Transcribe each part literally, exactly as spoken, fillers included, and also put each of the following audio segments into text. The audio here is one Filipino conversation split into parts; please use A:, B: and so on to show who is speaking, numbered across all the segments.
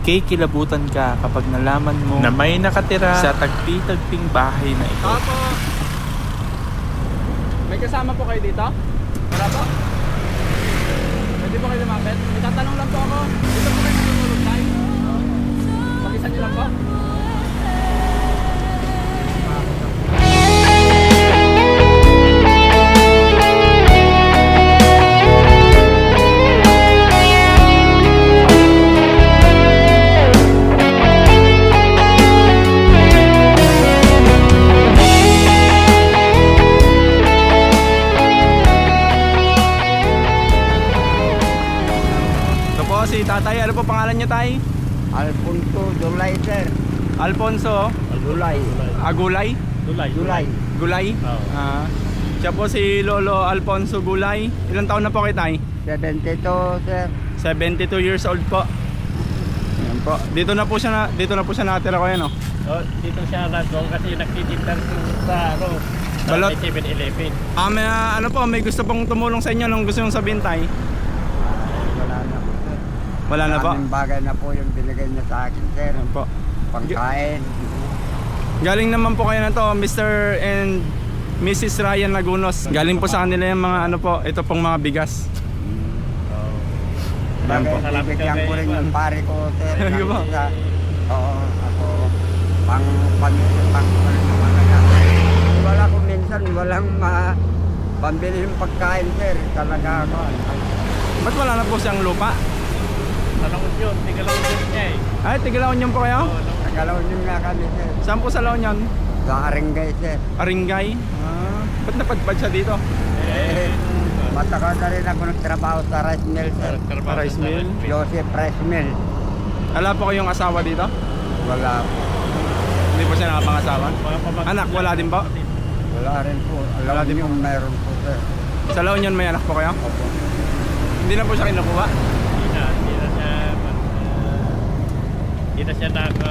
A: Magkikilabutan ka kapag nalaman mo na may nakatira sa tagpi-tagping bahay na ito.
B: Opo. May kasama po kayo dito? Wala po? Pwede po kayo lumapit? May tatanong lang po ako. Dito po kayo natutulog tayo? Pakisan niyo lang po?
A: Si tatay, ano po pangalan niya, tay?
C: Alfonso Dulay, sir.
A: Alfonso
C: Dulay.
A: Agulay?
B: Dulay.
C: Dulay.
A: Gulay?
B: Oo.
A: Ah, siya po si Lolo Alfonso Gulay. Ilang taon na po kay tay?
C: seventy-two, sir.
A: seventy-two years old po. Ayan po. Dito na po siya na, dito na po siya natira ko yan, oh.
B: Oh, dito siya nandun kasi nagtitinda sa ano, sa
A: Balot.
B: seven eleven.
A: Ah, may, ah, ano po, may gusto pong tumulong sa inyo nung gusto yung sabihin, tay?
C: Wala na po, sir.
A: Wala na po?
C: Maraming bagay na po yung binigay niya sa akin, sir.
A: Ayan po.
C: Pagkain.
A: Galing naman po kayo na to, Mister and Missus Ryan Lagunos. Galing po sa kanila yung mga ano po, ito pong mga bigas. Ayan
C: Bagay,
A: po.
C: bibigyan ko rin yung pare ko, sir.
A: Talaga
C: ng
A: ba?
C: isa. Oo, ako. Pang, pang, pang, pang, naman na. Wala ko minsan, walang ma, pambili yung pagkain, sir. Talaga ako.
A: Ba't wala na po siyang lupa?
B: Tanong yun, tigalaw yun niya eh.
A: Ay, Tigalaon yun po kayo?
C: Nagalaw niyo nga kami, sir.
A: Saan po sa Laon yun?
C: Sa Aringay, sir.
A: Aringay? Ah, ba't napadpad siya dito?
C: Eh, matagal na rin ako nagtrabaho sa rice mill, sir.
B: Trabaho
A: Rice
B: sa
A: mill?
C: Joseph Rice Mill.
A: Wala po kayong asawa dito?
C: Wala po.
A: Hindi po siya nakapangasawa?
B: Mga pamag-
A: Anak, wala din po?
C: Wala rin po.
A: Wala
C: Alam
A: din
C: niyo,
A: po.
C: mayroon po, sir.
A: Sa Laon yun may anak po kayo?
C: Opo.
A: Hindi na po siya kinukuha?
B: Hindi na, hindi na siya, uh, hindi na siya naka,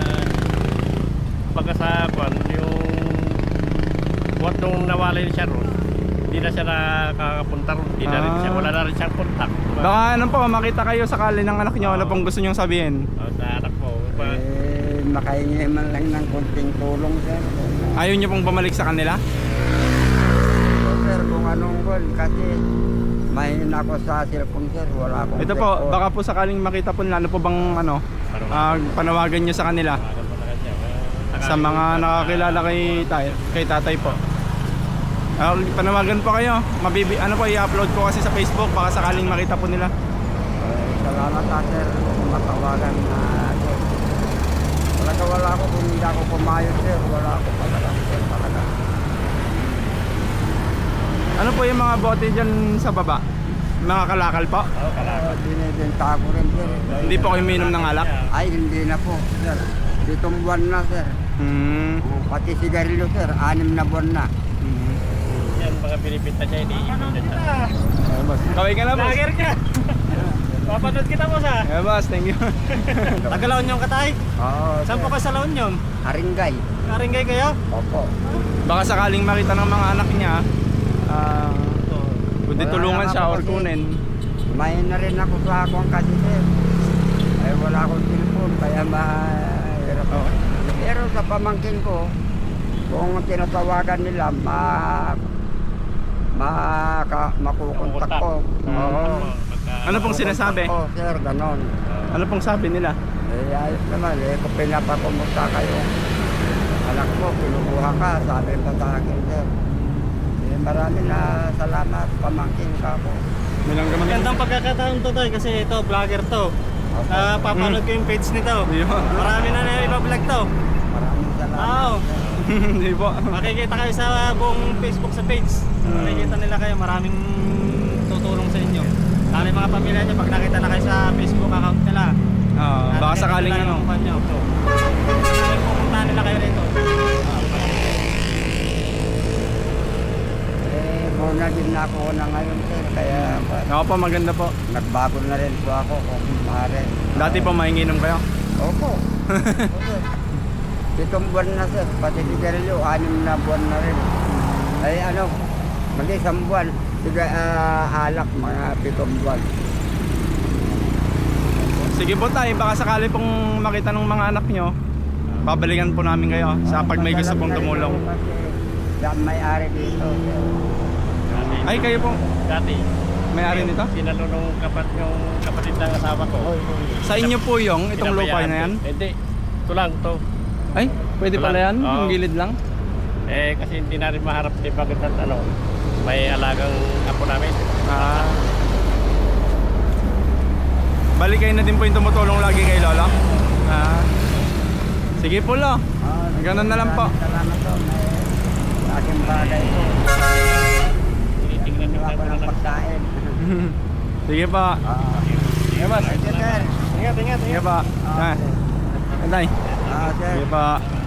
B: pagkasapan, yung, what nung nawalay siya ron, hindi na siya nakakapunta ron, hindi na rin siya,
A: Ah.
B: wala na rin siyang kontak.
A: Baka ano po, makita kayo sakali ng anak niyo, ano pong gusto niyong sabihin?
B: Oh, sa anak mo, pa,
C: Eh, makahingi man lang ng konting tulong, sir.
A: Ayaw niyo pong bumalik sa kanila?
C: So, sir, kung anong kon, kasi mahina ako sa cellphone, sir. Wala akong
A: Ito po,
C: cellphone.
A: baka po sakaling makita po nila, ano po bang ano, ah, panawagan niyo sa kanila?
B: tawagan mo na kanya. Uh,
A: Sa mga nakakilala kay, tay, kay tatay po. Ah, panawagan po kayo. Mabibi, ano po, i-upload ko kasi sa Facebook, baka sakaling makita po nila.
C: Eh, salamat, ha, sir. Kung matawagan na, sir. Talaga wala ako kung hindi ako pumayos, sir. Wala ako talaga, sir. Talaga.
A: Ano po yung mga bote dyan sa baba? Mga kalakal po?
B: oh,
C: Uh, binibenta ko rin, sir.
A: Hindi po kayo minom ng alak?
C: Ay, hindi na po, sir. Ditong buwan na, sir.
A: Hmm.
C: Oh, pati sigarilyo, sir. Anim na buwan na.
A: Hmm.
B: Yan, mga pinipinta siya, iniipin na siya.
A: Eh, boss. Kaway ka na, boss.
B: Lager ka! Papanood kita, boss ha!
A: Eh, boss, thank you.
B: Tagalaon yung katay?
C: Oo,
B: Saan po
C: sir.
B: ka sa laon yun?
C: Haringay.
B: Karinggay kayo?
C: Opo.
A: Baka sakaling makita ng mga anak niya, ah, kundi
C: Wala
A: tulungan
C: na
A: siya
C: ako
A: or
C: kasi.
A: kunin.
C: May na rin ako sa akong kasi, sir. Ay, wala akong cellphone, kaya mahirap ako. Pero sa pamangkin ko, kung tinatawagan nila, ma... Maka, makukontak ko.
A: Hmm.
C: Oo.
A: Ano pong sinasabi?
C: Oo, sir, ganon.
A: Ano pong sabi nila?
C: Eh, ayos naman, eh, kung pinapakumusta kayo, anak mo, kinukuha ka, sabi pa sa akin, sir. Eh, marami na salamat, pamangkin ka po.
A: Nilang gaman.
B: Magandang pagkakataon to tayo kasi ito, vlogger to.
C: Opo.
B: Ah, papanood ko yung page nito.
A: Di ba?
B: Marami na na iba-vlog to.
C: Maraming salamat.
B: Oo.
A: Hindi po.
B: Makikita kayo sa buong Facebook sa page. Makikita nila kayo, maraming tutulong sa inyo. Lalo yung mga pamilya nyo, pag nakita na kayo sa Facebook account nila.
A: Ah, baka
B: nakikita
A: sakaling
B: nila
A: ano.
B: yung mukha nyo. Pupuntahan nila kayo rito.
C: Eh, muna din na ako na ngayon, sir, kaya
A: Ako po, maganda po.
C: nagbago na rin po ako kung maaari.
A: Dati po mainginom kayo.
C: Opo. Opo. Pitong buwan na, sir, pati sigarilyo, anim na buwan na rin. Ay, ano, mag-isang buwan, siga, ah, alak, mga pitong buwan.
A: Sige po tay, baka sakali pong makita ng mga anak nyo, babalikan po namin kayo sa pag may gusto pong tumulong.
C: Yan may-ari dito.
A: Ay, kayo po,
B: Dati,
A: may-ari nito?
B: sinalo nung kapat, yung kapatid ng asawa ko.
A: Sa inyo po yung itong lupa na yan?
B: Hindi, ito lang to.
A: Ay, pwede pala yan?
B: Oo.
A: Yung gilid lang?
B: Eh, kasi hindi na rin maharap di bakit at ano, may alagang apo namin.
A: Ah. Balik kayo na din po yung tumutulong lagi kay Lola? Ah. Sige po lo.
C: Ah,
A: Ganun na lang po.
C: Salamat po. May aking bagay po.
B: Tinitingnan yung
C: Ako ng pagkain.
A: Sige po.
C: Ah,
A: Sige po.
C: Sige, sir.
B: Ingat, ingat,
A: Sige po. Ah. Tay.
C: Ah, sir.
A: Sige po.